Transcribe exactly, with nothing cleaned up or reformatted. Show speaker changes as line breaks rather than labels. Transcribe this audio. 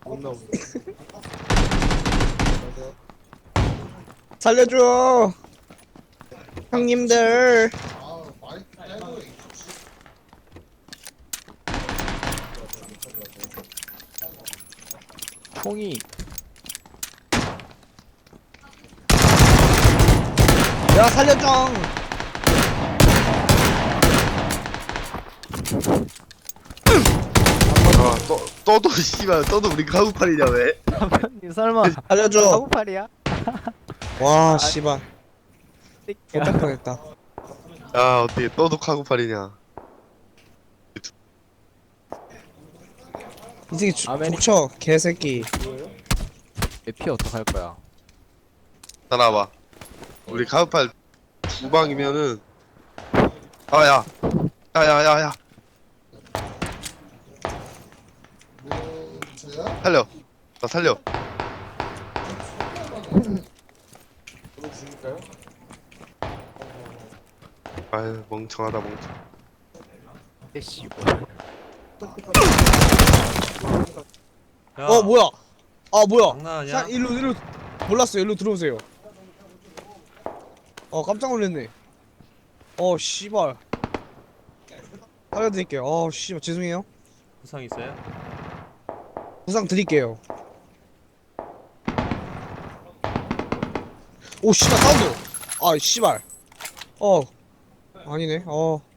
살려줘 형님들.
총이
야 살려줘.
아, 떠, 떠도 씨발 떠도 우리 가구팔이냐 왜?
이 설마
살려줘.
사구팔이야?
와 씨발
새끼야.
못할 뻔했다.
야 어떻게 떠도 가구팔이냐?
이 새끼 주-
아메리-
족쳐 개새끼.
피 어떡할 거야?
따라와봐. 우리 가구팔 두 방이면은 아야 야야야야 살려 나 살려. 아유 멍청하다 멍청.
에씨
야,
어 뭐야? 아 뭐야?
장난하냐?
자 일로 일로 몰랐어요. 일로 들어오세요. 어 깜짝 놀랐네. 어 씨발. 살려드릴게요. 어 씨발 죄송해요.
부상 있어요?
부상 드릴게요. 오 씨발 사운드. 아 씨발. 어 아니네. 어